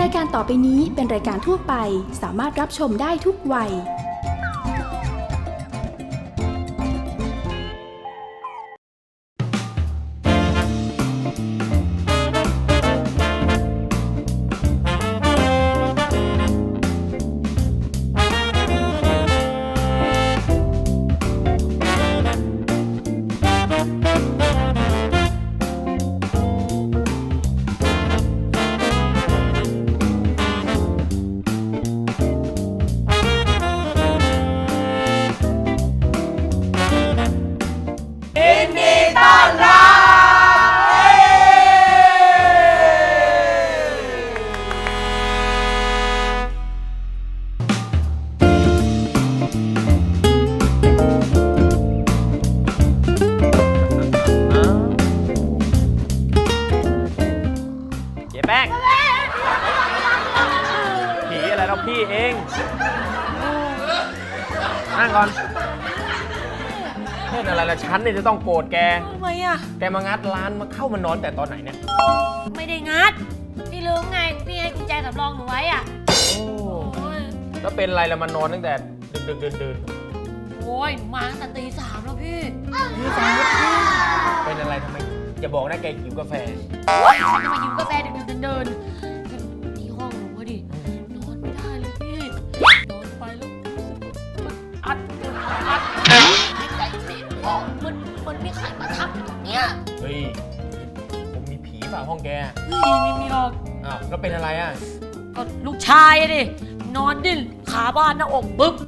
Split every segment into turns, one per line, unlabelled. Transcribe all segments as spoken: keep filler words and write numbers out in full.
ายการต่อไปนี้เป็นรายการทั่วไปสามารถรับชมได้ทุกวัย
แป้งผีอะไรเราพี่เองนั่งก่อนเล่นอะไรละฉันเนี่ยจะต้องโกรธแก
ทำไมอ่ะ
แกมางัดร้านมาเข้ามานอนแต่ตอนไหนเนี่ย
ไม่ได้งัดพี่ลืมไงพี่ให้กุญแจสำรองหนูไว้อ่ะ
โอ้แล้วเป็นอะไรละมานอนตั้งแต่ดึกดึกเดินเดิน
โอ้ยหนูมาตั้งแต่ตีสามแล้วพี่
ตีสามเป็นอะไรทำไมอย่าบอกนะแกหิวกาแฟ
ฉันจะมายืมกาแฟดึกๆเดินๆที่ห้องหนูพอดีนอนไม่ได้เลยพี่นอนไปแล้วมันอัดอัดหายใจไม่ออกมันมันมีใครมาทับอยู่ตรงเนี้ย
เฮ้ยผมมีผีฝ่าห้องแก
เฮ้ยไม่มีหรอก
อ้าวแล้วเป็นอะไรอ่ะ
ก็ลูกชายดินอนดิ้นขาบ้านหน้าอกปึ๊บ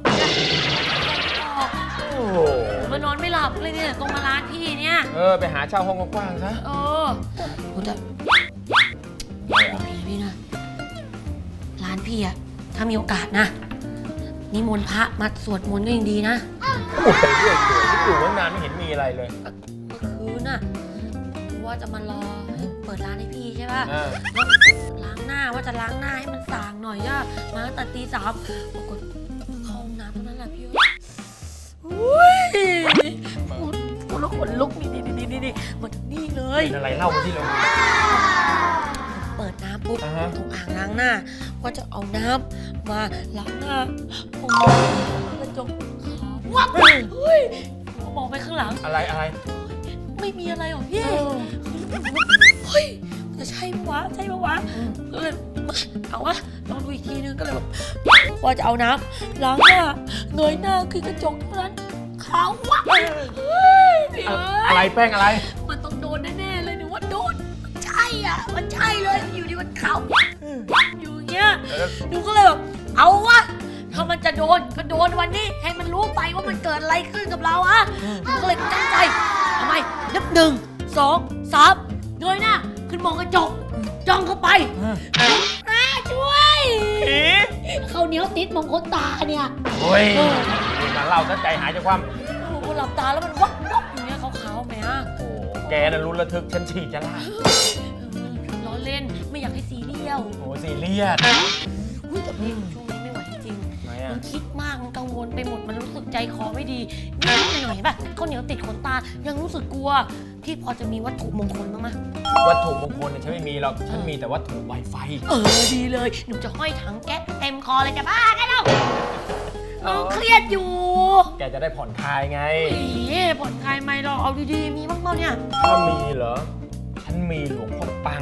โอ้โห
มานอนไม่หลับเลยเนี่ยตรงมาร้านพี่เนี่ย
เออไปหาเช่าห้องกว้างๆซะ
เออกูจะพี่พี่นะร้านพี่อะถ้ามีโอกาสนะนิมนต์พระมาสวดมนต์ก็ยังดีนะ
โอ้ยเรื่อยเปื่อยที่อยู่ตั้งนานไม่เห็นมีอะไรเลย
เมื่อคืนน่ะว่าจะมารอเปิดร้านให้พี่ใช่ป่ะล้างหน้าว่าจะล้างหน้าให้มันสางหน่อยอะมาตั้งแต่ตีสามปรากฏเข้าห้องน้ำเท่านั้นแหละพี่อุ้ยพูดพูดแล้วขนลุกนี่นี่นี่นี่นี่มันนี่เลย
เป็นอะไรเล่ามาที่เรา
เปิดน้ำปุ๊บตรงอ่างล้างหน้าว่าจะเอาน้ำมาล้างหน้าผมกระจกขาววับเฮ้ยมองไปข้างหลัง
อะไรอะไร
ไม่มีอะไรหรอกพี่เฮ้ยจะใช่ปะวะใช่ปะวะก็เลยเอาวะลองดูอีกทีนึงก็เลยแบบว่าจะเอาน้ำล้างหน้าเงยหน้าคือกระจกเท่านั้นขาววับเฮ้ย
อะไรแป้งอะไร
มันต้องโดนแน่ๆเลยหนูว่าโดนมันใช่อ่ะมันใช่เลยอยู่ดีมันขาวอยู่อย่างเงี้ยหนูก็เลยแบบเอาวะถ้ามันจะโดนก็โดนวันนี้ให้มันรู้ไปว่ามันเกิดอะไรขึ้นกับเราอะหนูก็เลยตั้งใจทำไมนับหนึ่งสองสามเงยหน้าขึ้นมองกระจกจ้องเข้าไปน้าช่วยเขาเหนียวติดมองคนตาเนี่ย
โอ้ยมาเล่าซะใจหายจากความ
โอ้โหหลับตาแล้วมันวับวับอย่างเงี้ยขาวๆแม่อะ
โอ้แกน่ะรู้ระทึกฉันฉีดจะล่า
ล้อเล่นไม่อยากให้ซีเรียล
โอ้ซีเรียส
อุ้ยแต่พี่ช่วงนี้ไม่ไหวจริงมันคิดมากมันกังวลไปหมดมันรู้สึกใจคอไม่ดีนิดหน่อยป่ะข้าวเหนียวติดขนตายังรู้สึกกลัวพี่พอจะมีวัตถุมงคลบ้างไหม
วัตถุมงคลเนี่ยฉันไม่มีหรอกฉันมีแต่วัตถุไวไฟ
เออดีเลยหนูจะห้อยถังแก๊สเต็มคอเลยจะบ้ากันแล้วน้องเครียดอยู่
แกจะได้ผ่อนคลายไง
ผ่อนคลายไหมหรอเอาดีๆมีบ้างเปล่าเนี่ย
ถ้ามีเหรอฉันมีหลวงพ่อปัง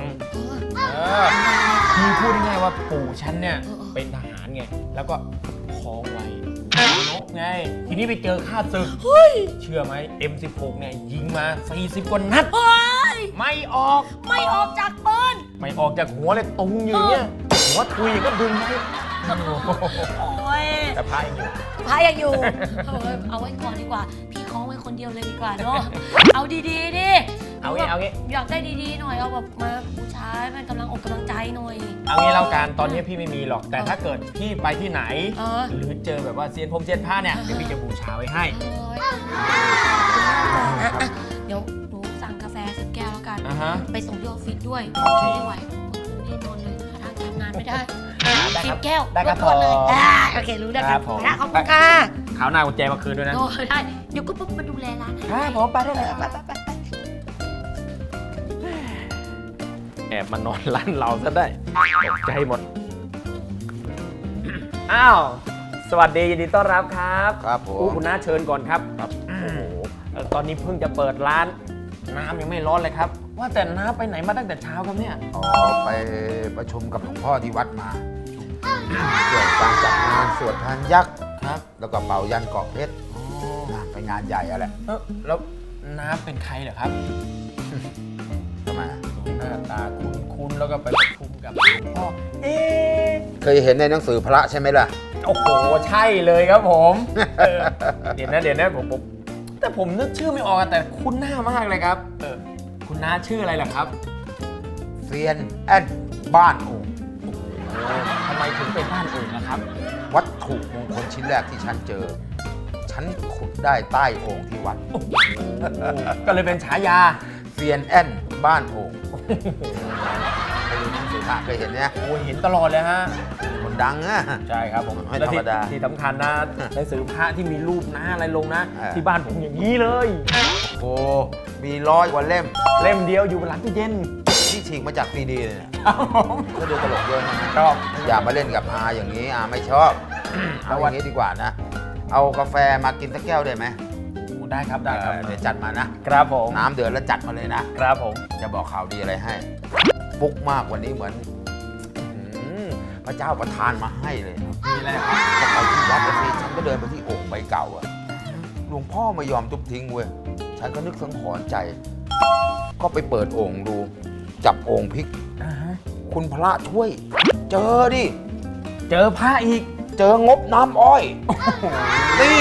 คือพูดง่ายๆว่าปู่ฉันเนี่ยเป็นทหารไงแล้วก็คล้องไว้นกไงทีนี้ไปเจอข้าศึกเชื่อไหม เอ็ม สิบหก เนี่ยยิงมาสี่สิบกว่านัดไม่ออก
ไม่ออกจากปืน
ไม่ออกจากหัวเลยตุงอยู่เนี่ยหัวทุยก็ดึงไว้
โอ้ย
แต่พายยังอยู่
พายยังอยู่เอาไว้ก่อนดีกว่าพี่คล้องไว้คนเดียวเลยดีกว่าเนาะเอาดีๆดิ
เอางี้เอางี้
อยากได้ดีๆหน่อยเอาแบบมาบูชาให้มันกำลังอกกำลังใจหน่อย
เอางี้แล้วกันตอนนี้พี่ไม่มีหรอกแต่ถ้าเกิดพี่ไปที่ไหนหรือเจอแบบว่าเซียนพรมเซียนผ้าเนี่ยเดี๋ยวพี่จะบูชาไว้ให้
เดี๋ยวหนูสั่งกาแฟสิบแก้วแล้วกันไปส่งที่ออฟฟิศด้วยไม่ไหวนี่นอนเลยหาทางทำงานไม่ได้สิบแก้ว
ได้ครับพอ
โอเครู้ได้ครับขอบคุณค่ะ
ข่าวหน้ากุญแจมาคืนด้วยนะ
ได้เดี๋ยวก็ปุ๊บมาดูแลร้าน
ครับผมไปได้เลยไปไปไปแอบมานอนร้านเราซะได้ตกใจหมดอ้าวสวัสดียินดีต้อนรับครับ
ครับผม
อู้คุณน้าเชิญก่อนครับ
ครับ
โอ้โหเอ่อตอนนี้เพิ่งจะเปิดร้านน้ำยังไม่ร้อนเลยครับ ว่าแต่น้าไปไหนมาตั้งแต่เช้าครับเนี่ย
อ๋อไปประชุมกับหลวงพ่อที่วัดมาเกี่ยวกับการจัดงานสวดทานยักษ์
ครับ
แล้วก็เป่ายันเกาะเพชรนะไปงานใหญ่อะแหละ
เอ้าแล้วน้าเป็นใครเหรอครับ
ทำไม
หน้าตาคุ้นๆแล้วก็ไปประชุมกับหลวงพ่อเอ๊ะ
เคยเห็นในหนังสือพระใช่ไหมล่ะ
โอ้โหใช่เลยครับผมเออเดี๋ยวนะเดี๋ยวนะผมผมแต่ผมนึกชื่อไม่ออกอะแต่คุ้นหน้ามากเลยครับเออคุณน้าชื่ออะไรล่ะครับ
เซียนแอนบ้านโอ่ง
ทำไมถึงเป็นบ้านอื่นนะครับ
วัตถุมงคลชิ้นแรกที่ฉันเจอ ฉันขุดได้ใต้โอ่งที่วัด
ก็เลยเป็นฉายา
เซียนแอนบ้านโอ่งเคยดูหนังสือพระเคยเห็นเนี่ย
โอ้ยเห็นตลอดเลยฮะ
คนดังอะ
ใช่ครับผม
ไม่
และที่
ธรรมดา
ที่สำคัญนะหนังสือพระที่มีรูปหน้าอะไรลงนะ
เออ
ที่บ้านผมอย่างนี้เลย
โอ้มีร้อยกว่าเล่ม
เล่มเดียวอยู่บนหลังตู้เย็น
ที่ฉีกมาจากซีดีเลยเนี่ย
ครับผม
ก็ดูตลกเยอะนะ
ชอบ
อย่ามาเล่นกับอาอย่างนี้อาไม่ชอบ เอาอย่างนี้ดีกว่านะ เอากาแฟมากินสักแก้วได้ไหม
ได้ครับได้ครับ
เออเดี๋ยวจัดมานะ
ครับผม
น้ำเดือดแล้วจัดมาเลยนะ
ครับผม
จะบอกข่าวดีอะไรให้ฟุกมากวันนี้เหมือนอื้อหือพระเจ้าประทานมาให้เลย
มีอะไรครับ
ก็ไปที่วัดนะสิฉันก็เดินไปที่โอ่งใบเก่าอะหลวงพ่อไม่ยอมทุบทิ้งเว้ยฉันก็นึกสังหรณ์ใจ ก็ไปเปิดโอ่งดู จับโอ่งพลิก
อ่าฮะ
คุณพระช่วย เจอดิ
เจอพระอีก
เจองบน้ำอ้อยนี่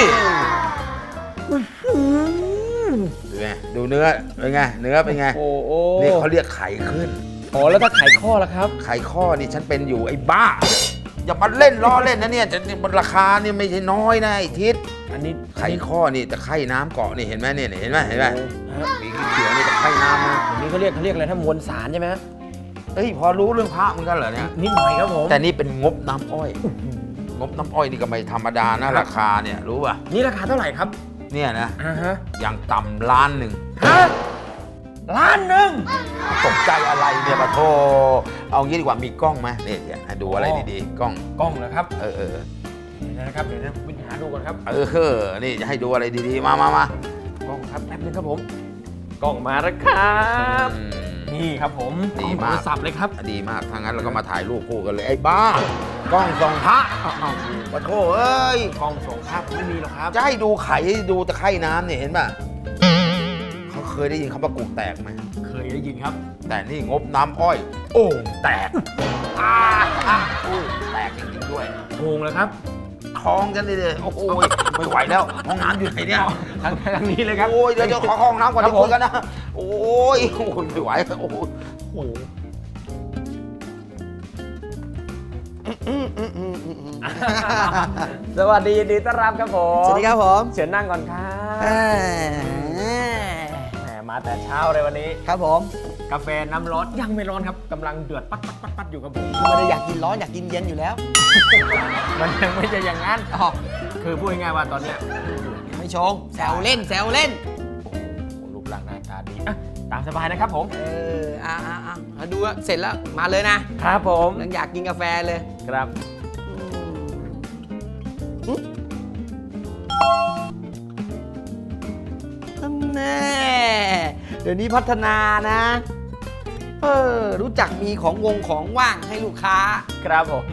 ดูไงดูเนื้อเป็นไงเนื้อเป็นไง
โอ้โห
นี่เขาเรียกไข่ขึ้น
อ๋อแล้วถ้าไขข้อล่ะครับ
ไข่ข้อนี่ฉันเป็นอยู่ไอ้บ้า อย่ามาเล่นล้อเล่นนะเนี่ยจะมันราคาเนี่ยไม่ใช่น้อยนะไอ้ทิศ
อันนี้
ไข่ข้อนี่แต่ไข่น้ำเกาะนี่เห็นไหมเนี่ยเห็นไหมเห็นไหม
ฮะ
มีเขียวๆนี่แต่ไข่น้ำนะ
อันนี้เขาเรียกเขาเรียกอะไรถ้ามวลสารใช่ไหมฮะ
เอ้ยพอรู้เรื่องพระเหมือนกันเหรอเนี่ย
นิดหน่อยครับผม
แต่นี่เป็นงบน้ำอ้อย งบน้ำอ้อยนี่ก็ไม่ธรรมดานะราคาเนี่ยรู้ป่ะ
นี่ราคาเท่าไหร่ครับ
เนี่ยนะ
อ่าฮะ
อย่างต่ำล้านหนึ่ง
ฮะล้านหนึ่ง
ตกใจอะไรเนี่ยปะโทเอางี้ดีกว่ามีกล้องไหมนี่เดี๋ยวให้ดูอะไรดีๆกล้อง
กล้องเหรอครับ
เออเออ
เดี๋ยวนะครับเดี๋ยวนะวิญหาดูก่อนครับ
เออเออนี่จะให้ดูอะไรดีๆ มามามา
กล้องครับแป๊บนึงครับผมกล้องมาแล้วครับ
อืม
นี่ครับผม
ดี
กล้องโท
มาก
รศัพท์เลยครับ
ดีมากถ้างั้นเราก็มาถ่ายรูปคู่กันเลย ไอ้บ้ากล้องส่องพระ
อ้าวอ้าว
ปะโทเอ้ย
กล้องส่งภาพไม่มีหรอกครับ
จะให้ดูไข่ให้ดูตะไคร่น้ำเนี่ยเห็นป่ะเขาเคยได้ยินคำว่ากูแตกไหม
เคยได้ยินครับ
แต่นี่งบน้ำอ้อย โอ่งแตกอ่าอ่าอุ้ยแตกจริงๆด้วย
โงงเลยครับ
ท้องฉันเลยโอ้โหไม่ไหวแล้วห้องน้ำอยู่ไหนเนี่ย
ทางทางนี้เลยครับ
โอ้ยเดี๋ยวเดี๋ยวขอเข้าห้องน้ำก่อน
ครั
เดี๋
บ
ยวคุยกันนะ โอ้ยโอ้ยไม่ไหวโอ้โห
โอ้โห สวัสดียินดีต้อนรับครับผม
สวัสดีครับผม
เชิญนั่งก่อนครับ
เอ้ย
แหมมาแต่เช้าเลยวันนี้
ครับผม
กาแฟน้ำร้อนยังไม่ร้อนครับกำลังเดือดปัดปัดปัดปัดอยู่กับผม
ไม่ได้อยากกินร้อนอยากกินเย็นอยู่แล้ว
มันยังไม่ใช่อย่างนั้น
อ๋อ
คือพูดง่ายๆว่าตอนเนี้ย
ไม่ชงแซวเล่นแซวเล่น
โอ้โหรูปร่างหน้าตาดีอ่ะตามสบายนะครับผม
เอออ่ะอ่ะอ่ะมาดูอะเสร็จแล้วมาเลยนะครับ
ผม
ยังอยากกินกาแฟเลย
ครับ
อืมแน่เดี๋ยวนี้พัฒนานะ เออ รู้จักมีของวงของว่างให้ลูกค้า
ครับผม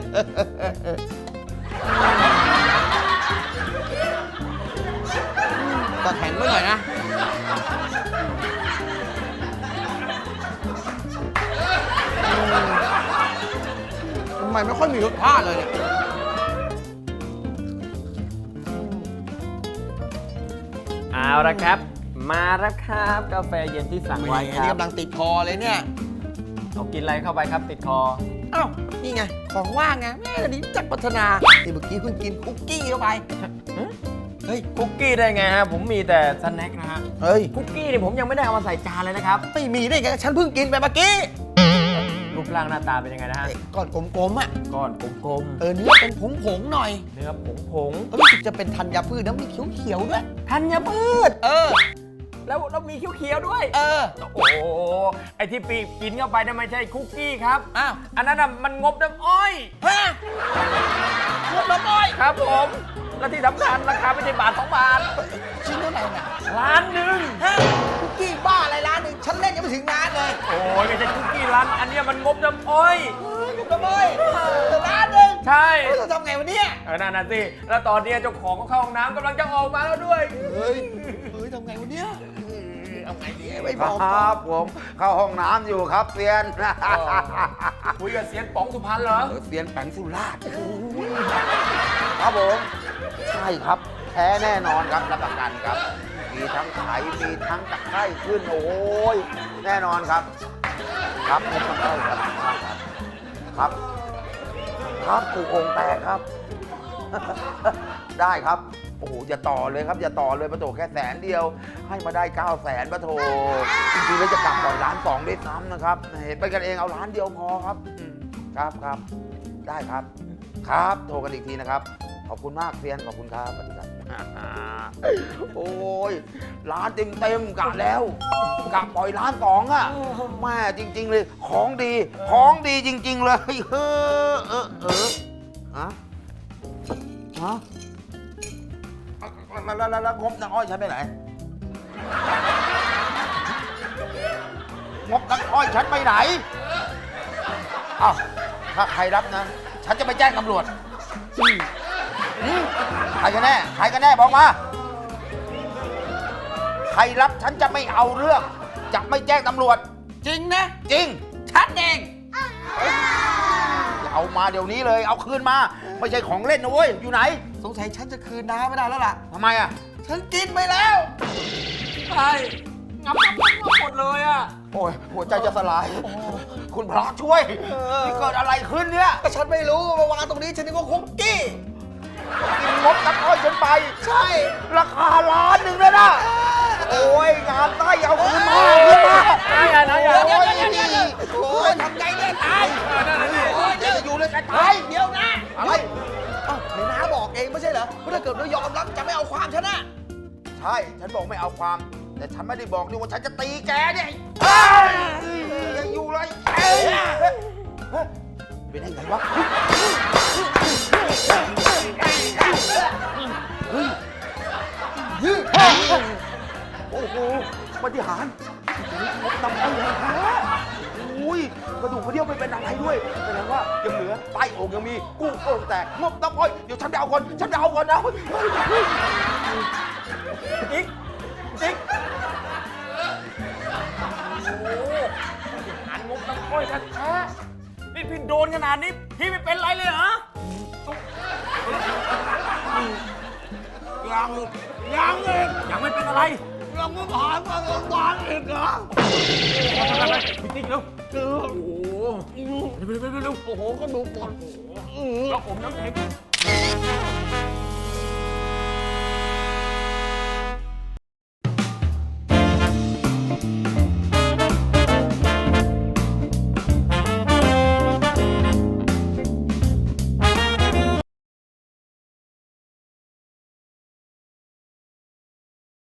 ก็แข็งไว้หน่อยนะอืมทำไมไม่ค่อยมีรสชาติเลยเนี่ย
เอาละครับ มาแล้วครับกาแฟเย็นที่สั่งไว้ค
นี่
รับ
กำลังติดคอเลยเนี่ย
เอากินอะไรเข้าไปครับติดคอ
อ้าว นี่ไง ของว่างไงแม่เดี๋ยวนี้จักพัฒนาที่เมื่อกี้เพิ่งกินคุกกี้เข้าไป เฮ้ย
คุกกี้ได้ไงฮะผมมีแต่สแน็คนะฮะ
เฮ้ย
คุกกี้นี่ผมยังไม่ได้เอามาใส่จานเลยนะครับ
ไม่มีได้ไง ฉันเพิ่งกินไปเมื่อกี้
รูปร่างหน้าตาเป็นยังไงนะฮะ
ไอ้ก้อนกลมๆอ่ะ
ก้อนกลม
เออ เนื้อเป็นผงๆหน่อย
ๆเนื้อผงผง
เออรู้สึกจะเป็นธัญพืชแล้วมีเขียวๆด้วย
ๆธัญพืช
เออ
แล้วแล้วมีเขียวๆด้วย
เออ
โอ้โหไอที่ปีกกินเข้าไปนั่นไม่ใช่คุกกี้ครับ
อ้าว
อันนั้นน่ะมันงบน้ำอ้อย
ฮะงบละม้อย
ครับผม และที่สำคัญราคาไม่ใช่บาทสองบาท
ชิ้นเท่าไหร่น่ะ
ล้านหนึ่ง
ฮะคุกกี้บ้าอะไรร้านหนึ่งฉันเล่นยังไม่ถึงร้านเลย
โอ้ยไม่ใช่คุกกี้ร้านอันเนี้ยมันงบน้ำอ้อย
เฮ้ยงบละม้อยร้านหนึ่ง
ใช่
เฮ้ยเราทำไงวันนี้
เออนั่นน่ะสิ แล้วตอนเนี้ยเจ้าของก็เข้าห้องน้ำกำลังจะออกมาแล้วด้วย
เฮ้ยเฮ้ยทำไงวันนี้เอาไงดีไม่
ค
บอก
รับผมเข้าห้องน้ำอยู่ครับเซียน
คุยกับเซียนป๋องสุพรรณเหรอ
เออเซียนแปงสุราษฎร์ครับผมใช่ครับแท้แน่นอนครับรับประกันครับ มีทั้งไขมีทั้งตะไคร่ขึ้นโอ้ยแน่นอนครับ ครับไม่ต้องเข้าครับครับ ครับถูกองค์แตกครับ ได้ครับ โอ้โห อย่าต่อเลยครับ อย่าต่อเลยปะโถแค่แสนเดียว ให้มาได้เก้าแสนปะโถจริงๆแล้วจะกลับต่อยล้านสองด้วยซ้ำนะครับ เห็นไปกันเองเอาล้านเดียวพอครับอืมครับครับ ได้ครับ ครับ โทรกันอีกทีนะครับ ขอบคุณมากเซียน ขอบคุณครับสวัสดีครับ โอ้ยล้านเต็มเต็มๆกะแล้วกะปล่อยล้านสองอะแม่จริง ๆ เลย ของดี ของดีจริง ๆ เลยเออเออเออฮะฮะแล้วแล้วแล้วแล้วงบน้ำอ้อยฉันไปไหนงบน้ำอ้อยฉันไปไหนอ้าวถ้าใครรับนะ ฉันจะไปแจ้งตำรวจอืมอืมใครกันแน่ ใครกันแน่บอกมา ใครรับฉันจะไม่เอาเรื่อง จะไม่แจ้งตำรวจ
จริงนะ
จริง
ฉันเอง
เอามาเดี๋ยวนี้เลย เอาคืนมา ไม่ใช่ของเล่นนะเว้ย อยู่ไหน
สงสัยฉันจะคืนน้าไม่ได้แล้วล่ะ
ทำไมอ่ะ
ฉันกินไปแล้ว
ใช่งับงับงับงับหมดเลยอ่ะ
โอ้ย หัวใจจะสลาย คุณพระช่วยนี่เกิดอะไรขึ้นเนี่ย
ก็ฉันไม่รู้มาวางตรงนี้ฉันนึกว่าคุกกี้
กินงบน้ำอ้อยฉันไป
ใช่
ราคาล้านหนึ่งเลยนะ โอ้ย งานใต้เอาคืนมาคืนมา
ใช่อะนะอย่า
เดี๋ยวเดี๋ยวเดี๋ยวเดี๋ยวเดี๋ยวโอ้ยทำไงเนี่ยตาย
โอ้ยเดี๋ยวจะอยู่เลยจะ
ตา
ตาย ย
เดี๋ยวนะ
อะไร
เอ้าไหนน้าบอกเองไม่ใช่เหรอว่าถ้าเกิดเรายอมรับจะไม่เอาความฉันนะ
ใช่ ฉันบอกไม่เอาความ แต่ฉันไม่ได้บอกด้วยว่าฉันจะตีแกเนี่ยเฮ้ยยังอยู่เลยเอ้ยเฮ้ยเป็นยังไงวะเฮ้ยยืดโอ้โหปฏิหารย์งบน้ำอ้อยแท้อุ้ยกระดูกกระเดี่ยวไม่เป็นอะไรด้วยแสดงว่ายังเหลือใต้อกยังมีกุ้งโอ่งแตกงบน้ำอ้อยเดี๋ยวฉันไปเอาก่อนฉันไปเอาก่อนนะ
จิ๊กจิ๊กโอ้โหหารงบน้ำอ้อยแท้ๆนี่พี่โดนขนาดนี้ พี่ไม่เป็นไรเลยเหรอ
ยังยังเอง
ยังไม่เป็นอะไร
ยังไม่ผ่านมาโรงพยาบาลอีกเหรอ
พี่ติ๊กเร็ว
เออ
โอ้โหเร็วเร็วเร็วเร็วโอ้โหก็ดูปวดแล้วผมน้ำแข็ง